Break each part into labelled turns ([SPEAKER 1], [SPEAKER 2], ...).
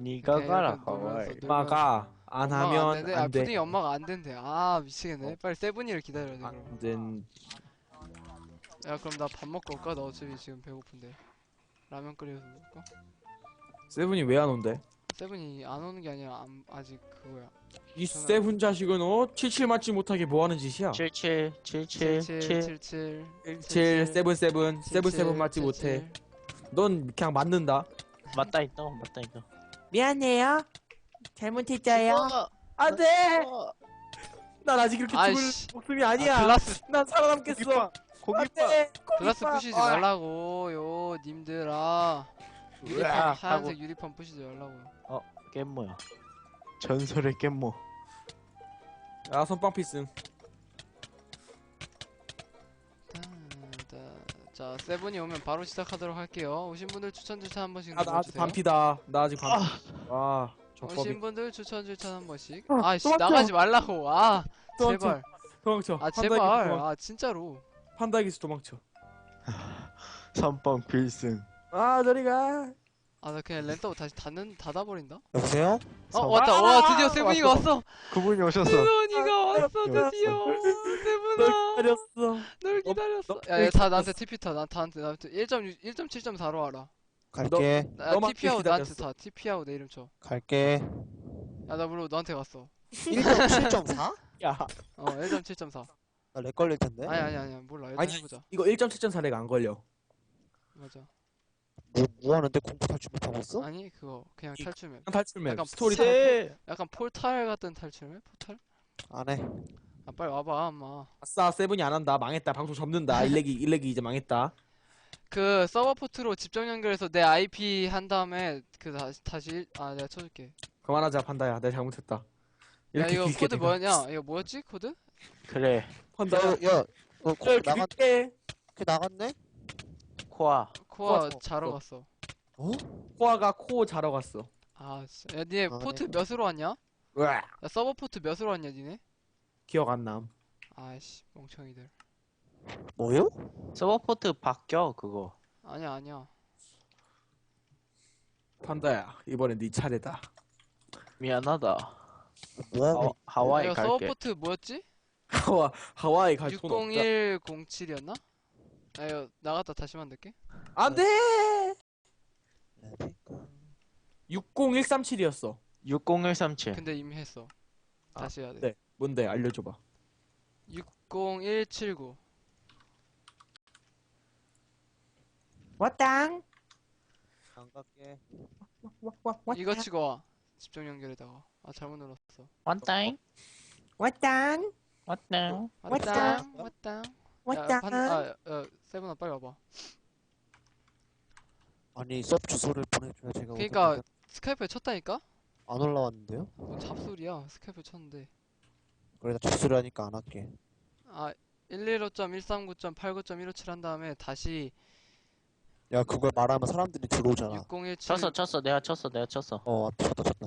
[SPEAKER 1] 니가
[SPEAKER 2] 이렇게
[SPEAKER 1] 가라
[SPEAKER 2] 이렇게 놀면서
[SPEAKER 1] 하와이.
[SPEAKER 2] 놀면서.
[SPEAKER 3] 엄마가 안
[SPEAKER 2] 엄마가 안
[SPEAKER 3] 하면
[SPEAKER 2] 된대.
[SPEAKER 3] 안 돼.
[SPEAKER 2] 푸딩이 엄마가 안 된대. 미치겠네. 빨리 세븐이를 기다려야 돼 그럼.
[SPEAKER 3] 안 된.
[SPEAKER 2] 야 그럼 나 밥 먹고 올까? 나 어차피 지금 배고픈데. 라면 끓여서 먹을까?
[SPEAKER 3] 세븐이 왜 안 온대?
[SPEAKER 2] 세븐이 안 오는 게 아니라 아직 그거야.
[SPEAKER 3] 이
[SPEAKER 2] 저는-
[SPEAKER 3] 세븐 자식은 77 맞지 못하게 뭐 하는 짓이야?
[SPEAKER 1] 77 77 7
[SPEAKER 2] 77
[SPEAKER 3] 77 세븐 세븐 세븐 세븐 맞지
[SPEAKER 2] 77.
[SPEAKER 3] 못해. 넌 그냥 맞는다.
[SPEAKER 1] 맞다 있다 맞다 있다.
[SPEAKER 3] 미안해요. 잘못했어요. 안돼. 난 아직 그렇게 죽을
[SPEAKER 2] 아이씨.
[SPEAKER 3] 목숨이 아니야.
[SPEAKER 2] 글라스
[SPEAKER 3] 난 살아남겠어. 안돼.
[SPEAKER 2] 글라스 부시지 말라고요 님들아. 유리판
[SPEAKER 1] 으악
[SPEAKER 2] 하얀색 유리판 부시지 말라고요.
[SPEAKER 1] 깻모야. 전설의 깻모.
[SPEAKER 3] 야 선빵 필승.
[SPEAKER 2] 자 세븐이 오면 바로 시작하도록 할게요. 오신 분들 추천 한 번씩
[SPEAKER 3] 나 아직
[SPEAKER 2] 눌러주세요.
[SPEAKER 3] 반피다. 나 아직 반피. 아, 저
[SPEAKER 2] 오신
[SPEAKER 3] 겁이.
[SPEAKER 2] 분들 추천 한 번씩.
[SPEAKER 3] 또 막혀.
[SPEAKER 2] 나가지 말라고.
[SPEAKER 3] 도망쳐.
[SPEAKER 2] 제발.
[SPEAKER 3] 도망쳐.
[SPEAKER 2] 제발.
[SPEAKER 3] 판다기스
[SPEAKER 2] 진짜로.
[SPEAKER 3] 판다기스 도망쳐.
[SPEAKER 1] 선빵 필승.
[SPEAKER 3] 아 저리 가.
[SPEAKER 2] 나 그냥 랜더우 다시 닫아버린다.
[SPEAKER 4] 여보세요?
[SPEAKER 2] 왔다. 와 드디어 세븐이가 왔어.
[SPEAKER 1] 그분이 오셨어.
[SPEAKER 2] 세븐이가 왔어
[SPEAKER 3] 왔어.
[SPEAKER 2] 드디어.
[SPEAKER 3] 널
[SPEAKER 2] 세븐아.
[SPEAKER 3] 기다렸어.
[SPEAKER 2] 널 기다렸어.
[SPEAKER 3] 너-
[SPEAKER 2] 야, 다 나한테 TP 타. 나한테 1.7.4로 와라.
[SPEAKER 4] 갈게.
[SPEAKER 3] 너만
[SPEAKER 2] TP하고 나한테
[SPEAKER 3] 기다렸어.
[SPEAKER 2] 타. TP하고 내 이름 쳐.
[SPEAKER 4] 갈게.
[SPEAKER 2] 야, 나 물론 너한테 갔어.
[SPEAKER 4] 1.7.4?
[SPEAKER 3] 야
[SPEAKER 2] 1.7.4.
[SPEAKER 4] 나 렉 걸릴 텐데.
[SPEAKER 2] 아니, 몰라. 일단
[SPEAKER 3] 아니
[SPEAKER 2] 해보자.
[SPEAKER 3] 이거 1.7.4래가 안 걸려.
[SPEAKER 2] 맞아.
[SPEAKER 4] 뭐 하는데 공포 탈출 못하고 있어?
[SPEAKER 2] 아니, 그거. 그냥 탈출맵.
[SPEAKER 3] 탈출맵
[SPEAKER 2] 약간
[SPEAKER 3] 스토리
[SPEAKER 2] 약간 폴탈 같은 탈출맵? 포탈?
[SPEAKER 4] 안 해.
[SPEAKER 2] 빨리 와봐, 엄마.
[SPEAKER 3] 아싸 세븐이 안 한다. 망했다. 방송 접는다. 일렉이 이제 망했다.
[SPEAKER 2] 그 서버 포트로 집중 연결해서 내 IP 한 다음에 다시 내가 쳐줄게.
[SPEAKER 3] 그만하자 판다야. 내가 잘못했다.
[SPEAKER 2] 야,
[SPEAKER 3] 이렇게
[SPEAKER 2] 이거
[SPEAKER 3] 길게
[SPEAKER 2] 코드
[SPEAKER 3] 내가.
[SPEAKER 2] 뭐였냐? 이거 뭐였지? 코드?
[SPEAKER 1] 그래.
[SPEAKER 3] 판다야.
[SPEAKER 4] 야, 너
[SPEAKER 3] 길게.
[SPEAKER 4] 나갔네?
[SPEAKER 1] 코아.
[SPEAKER 2] 코아
[SPEAKER 3] 코아
[SPEAKER 2] 자러
[SPEAKER 3] 쳤어.
[SPEAKER 2] 갔어.
[SPEAKER 3] 코아가 코 자러 갔어.
[SPEAKER 2] 진짜. 야, 니네
[SPEAKER 4] 아,
[SPEAKER 2] 포트
[SPEAKER 4] 네.
[SPEAKER 2] 몇으로 왔냐?
[SPEAKER 3] 으아.
[SPEAKER 2] 야, 서버 포트 몇으로 왔냐, 니네?
[SPEAKER 3] 기억 안 남.
[SPEAKER 2] 아이씨, 멍청이들.
[SPEAKER 4] 뭐요?
[SPEAKER 1] 서버포트 바뀌어 그거.
[SPEAKER 2] 아니야.
[SPEAKER 3] 판다야. 이번엔 네 차례다.
[SPEAKER 1] 미안하다.
[SPEAKER 4] 뭐하고
[SPEAKER 1] 하와이
[SPEAKER 2] 이거
[SPEAKER 1] 갈게.
[SPEAKER 2] 서버 포트 뭐였지?
[SPEAKER 3] 하와이 갈 돈 없다.
[SPEAKER 2] 60107이었나? 이거 나갔다 다시 만들게.
[SPEAKER 3] 안돼.
[SPEAKER 4] 있냐?
[SPEAKER 3] 60137이었어.
[SPEAKER 1] 60137.
[SPEAKER 2] 근데 이미 했어. 다시 해야 돼.
[SPEAKER 3] 네. 뭔데 알려줘봐.
[SPEAKER 2] 60179.
[SPEAKER 3] 왔당.
[SPEAKER 4] 안 갈게.
[SPEAKER 2] 이거 치고 와. 집중 연결에다가. 잘못 눌렀어.
[SPEAKER 1] 왔다잉.
[SPEAKER 3] 왔당.
[SPEAKER 1] 왔다잉.
[SPEAKER 2] 왔당.
[SPEAKER 3] 왔당.
[SPEAKER 2] 세븐아 빨리 와봐.
[SPEAKER 4] 아니 섭 주소를 보내줘야 제가
[SPEAKER 2] 그니까
[SPEAKER 4] 어떻게
[SPEAKER 2] 스카이프에 쳤다니까?
[SPEAKER 4] 안 올라왔는데요?
[SPEAKER 2] 뭔 잡소리야. 스카이프에 쳤는데.
[SPEAKER 4] 그래 나 주소를 하니까 안 할게.
[SPEAKER 2] 115.139.89.157 한 다음에 다시
[SPEAKER 4] 야 그걸 말하면 사람들이 들어오잖아.
[SPEAKER 2] 6017
[SPEAKER 1] 쳤어. 내가 쳤어.
[SPEAKER 4] 쳤다.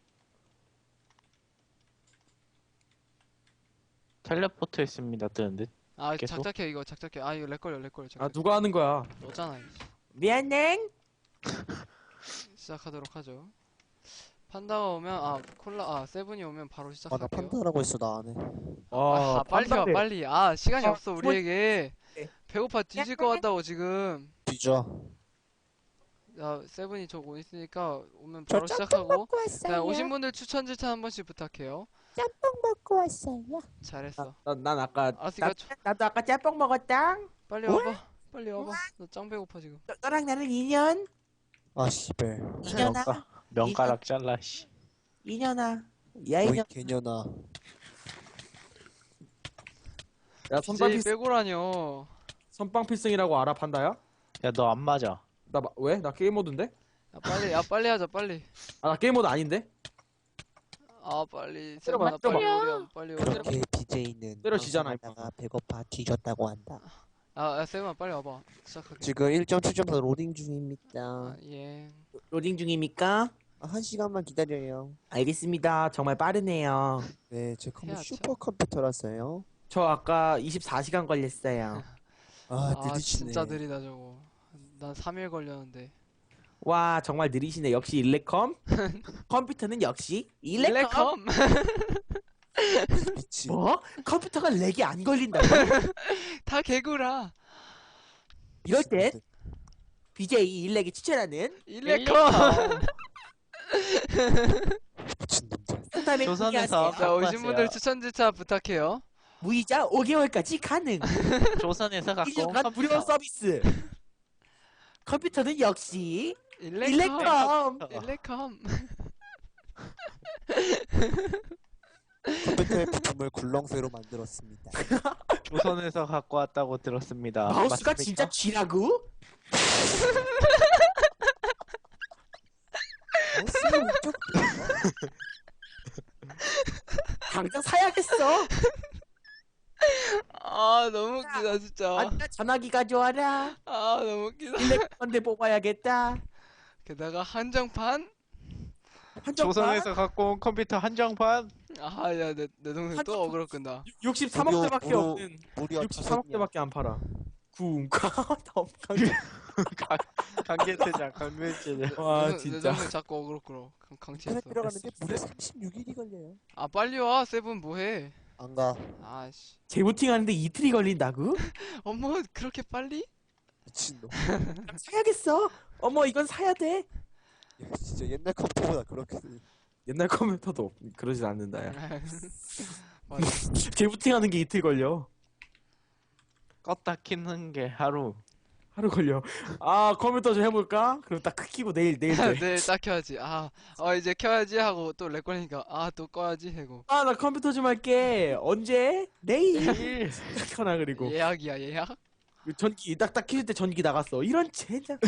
[SPEAKER 1] 텔레포트 했습니다 뜨는데. 계속?
[SPEAKER 2] 작작해 이거 작작해. 이거 렉걸려
[SPEAKER 3] 아 누가 하는 거야?
[SPEAKER 2] 너잖아. 이씨.
[SPEAKER 3] 미안해.
[SPEAKER 2] 시작하도록 하죠. 판다가 오면 세븐이 오면 바로
[SPEAKER 4] 아 나
[SPEAKER 2] 시작할게요.
[SPEAKER 4] 판다라고 했어 나 안 해.
[SPEAKER 2] 빨리 와
[SPEAKER 3] 판다래.
[SPEAKER 2] 빨리. 시간이 없어
[SPEAKER 3] 뭐-
[SPEAKER 2] 우리에게.
[SPEAKER 3] 네.
[SPEAKER 2] 배고파 뒤질 것 같다고 지금.
[SPEAKER 4] 뒤져.
[SPEAKER 2] 야 세븐이 저거 있으니까 오면 바로 시작하고. 자
[SPEAKER 5] 왔어요.
[SPEAKER 2] 오신 분들 추천 한 번씩 부탁해요.
[SPEAKER 5] 짬뽕 먹고 왔어요.
[SPEAKER 2] 잘했어.
[SPEAKER 3] 난 아까
[SPEAKER 2] 알았으니까
[SPEAKER 3] 나도 아까 짬뽕 먹었다.
[SPEAKER 2] 빨리 와봐. 빨리 와봐. 나 짱 배고파 지금.
[SPEAKER 3] 너랑 나는 인연.
[SPEAKER 4] 아 씨발.
[SPEAKER 3] 인연아.
[SPEAKER 1] 명가락 잘라 씨.
[SPEAKER 3] 인연아. 야
[SPEAKER 4] 어이
[SPEAKER 3] 인연.
[SPEAKER 4] 개년아.
[SPEAKER 3] 야
[SPEAKER 2] BJ 빼고라뇨.
[SPEAKER 3] 선빵 필승이라고 알아 판다야?
[SPEAKER 1] 야 너 안 맞아.
[SPEAKER 3] 왜? 나 게임 모드인데?
[SPEAKER 2] 빨리 하자 빨리.
[SPEAKER 3] 나 게임 모드 아닌데?
[SPEAKER 2] 빨리
[SPEAKER 3] 때려봐,
[SPEAKER 2] 세븐아 빨리
[SPEAKER 3] 때려봐.
[SPEAKER 2] 오렴 빨리 오렴.
[SPEAKER 4] 그렇게 BJ는
[SPEAKER 3] 때려지잖아,
[SPEAKER 4] 방송하다가 배고파 뒤졌다고 한다.
[SPEAKER 2] 세븐아 빨리 와봐. 시작할게.
[SPEAKER 4] 지금 1.7.4 로딩 중입니다.
[SPEAKER 2] 예.
[SPEAKER 3] 로딩 중입니까?
[SPEAKER 4] 1시간만 기다려요.
[SPEAKER 3] 알겠습니다. 정말 빠르네요.
[SPEAKER 4] 네, 제 컴퓨터
[SPEAKER 2] 해야죠.
[SPEAKER 4] 슈퍼컴퓨터라서요.
[SPEAKER 3] 저 아까 24시간 걸렸어요.
[SPEAKER 4] 느리시네.
[SPEAKER 2] 진짜 느리다 저거. 난 3일 걸렸는데.
[SPEAKER 3] 와 정말 느리시네. 역시 일렉컴. 컴퓨터는 역시 일렉컴.
[SPEAKER 4] 미친.
[SPEAKER 3] 뭐? 컴퓨터가 렉이 안 걸린다고?
[SPEAKER 2] 다 개구라.
[SPEAKER 3] 이럴 땐 BJ 일렉이 추천하는
[SPEAKER 2] 일렉컴.
[SPEAKER 4] 미친 놈들.
[SPEAKER 3] 상담에
[SPEAKER 1] 조선에서
[SPEAKER 2] 자, 오신
[SPEAKER 1] 갖고
[SPEAKER 2] 분들
[SPEAKER 1] 왔어요.
[SPEAKER 2] 추천 주차 부탁해요.
[SPEAKER 3] 무이자 5개월까지 가능.
[SPEAKER 1] 조선에서 갖고 온
[SPEAKER 3] 1년간 무료
[SPEAKER 1] 컴퓨터.
[SPEAKER 3] 서비스. 컴퓨터는 역시
[SPEAKER 2] 일렉컴.
[SPEAKER 3] 일렉컴.
[SPEAKER 2] 일렉컴.
[SPEAKER 4] 컴퓨터의 부품을 굴렁쇠로 만들었습니다.
[SPEAKER 1] 조선에서 갖고 왔다고 들었습니다.
[SPEAKER 3] 마우스가
[SPEAKER 1] 맞습니까?
[SPEAKER 3] 진짜 쥐라고?
[SPEAKER 4] 마우스는 웃겨.
[SPEAKER 3] 당장 사야겠어.
[SPEAKER 2] 아, 너무 웃기다, 진짜.
[SPEAKER 3] 아나 전화기 가져와라.
[SPEAKER 2] 아, 너무 웃기다.
[SPEAKER 3] 일렉컴인데 뽑아야겠다.
[SPEAKER 2] 게다가 한정판?
[SPEAKER 3] 한정판
[SPEAKER 1] 조선에서 갖고 온 컴퓨터 한정판.
[SPEAKER 2] 아, 야, 내 동생 또 어그로 끈다.
[SPEAKER 3] 63억 대밖에
[SPEAKER 4] 무료-
[SPEAKER 3] 없는
[SPEAKER 4] 무려
[SPEAKER 3] 63억 대밖에 안 팔아. 쿵쾅.
[SPEAKER 1] 강제퇴장, 강제퇴장.
[SPEAKER 3] 와
[SPEAKER 2] 내
[SPEAKER 3] 진짜.
[SPEAKER 2] 동생 자꾸 어그로 끌어. 강치했어.
[SPEAKER 4] 인터넷 들어가는데 무려 36일이 걸려요.
[SPEAKER 2] 아, 빨리 와, 세븐 뭐해?
[SPEAKER 4] 안 가.
[SPEAKER 2] 아씨.
[SPEAKER 3] 재부팅 하는데 이틀이 걸린다고?
[SPEAKER 2] 어머, 그렇게 빨리?
[SPEAKER 4] 미친놈.
[SPEAKER 3] 사야겠어. 어머 이건 사야 돼.
[SPEAKER 4] 야, 진짜 옛날 컴퓨터보다 그렇게.
[SPEAKER 3] 옛날 컴퓨터도 그러진 않는다 야.
[SPEAKER 2] 맞아.
[SPEAKER 3] 재부팅 하는 게 이틀 걸려.
[SPEAKER 1] 껐다 키는 게 하루.
[SPEAKER 3] 하루 걸려. 아 컴퓨터 좀 해볼까? 그럼 딱 켜고 내일 돼.
[SPEAKER 2] 내일 딱 켜야지. 아, 이제 켜야지 하고 또 렉 걸리니까 아, 또 꺼야지 하고.
[SPEAKER 3] 아 나 컴퓨터 좀 할게. 언제? 내일. 켜놔 그리고
[SPEAKER 2] 예약이야, 예약?
[SPEAKER 3] 전기 딱딱 켜질 때 전기 나갔어. 이런 젠장.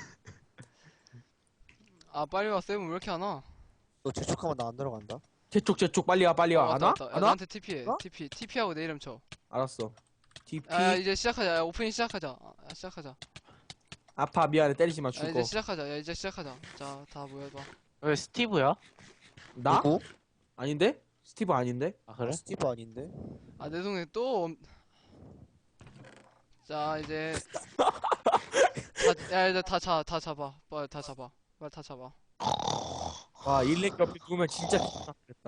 [SPEAKER 2] 아, 빨리 와, 세븐 왜 이렇게 안 와?
[SPEAKER 4] 너 재촉하면 나 안 들어간다.
[SPEAKER 3] 제쪽 빨리 와 빨리 와. 안
[SPEAKER 2] 왔다,
[SPEAKER 3] 와?
[SPEAKER 2] 왔다. 야,
[SPEAKER 3] 안 와?
[SPEAKER 2] 나한테 TP해.
[SPEAKER 4] 어?
[SPEAKER 2] TP하고 내 이름 쳐.
[SPEAKER 3] 알았어. TP.
[SPEAKER 2] 아, 이제 시작하자. 야, 오프닝 시작하자. 시작하자.
[SPEAKER 3] 아파 미안해 때리지 마
[SPEAKER 2] 야,
[SPEAKER 3] 죽어.
[SPEAKER 2] 이제 시작하자. 야, 이제 시작하자. 자, 다 모여봐.
[SPEAKER 1] 왜 스티브야?
[SPEAKER 3] 나?
[SPEAKER 4] 누구?
[SPEAKER 3] 아닌데? 스티브 아닌데?
[SPEAKER 1] 아 그래?
[SPEAKER 4] 스티브 아닌데?
[SPEAKER 2] 아, 내 동생 또. 자, 이제. 야, 이제 다 잡아. 빨리 다 잡아. 빨리 다 잡아.
[SPEAKER 3] 와 일렉 옆에 누우면 진짜 좋겠다.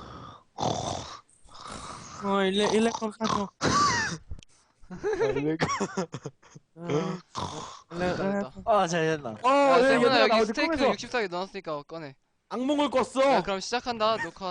[SPEAKER 3] 일렉컴 사줘. 일렉.
[SPEAKER 2] 됐다.
[SPEAKER 1] 아 잘했나?
[SPEAKER 2] 야, 세븐아,
[SPEAKER 3] 얘들아, 나
[SPEAKER 2] 여기
[SPEAKER 3] 어제
[SPEAKER 2] 스테이크
[SPEAKER 3] 꿈에서
[SPEAKER 2] 64개 넣었으니까 꺼내.
[SPEAKER 3] 악몽을 꿨어.
[SPEAKER 2] 야, 그럼 시작한다. 녹화.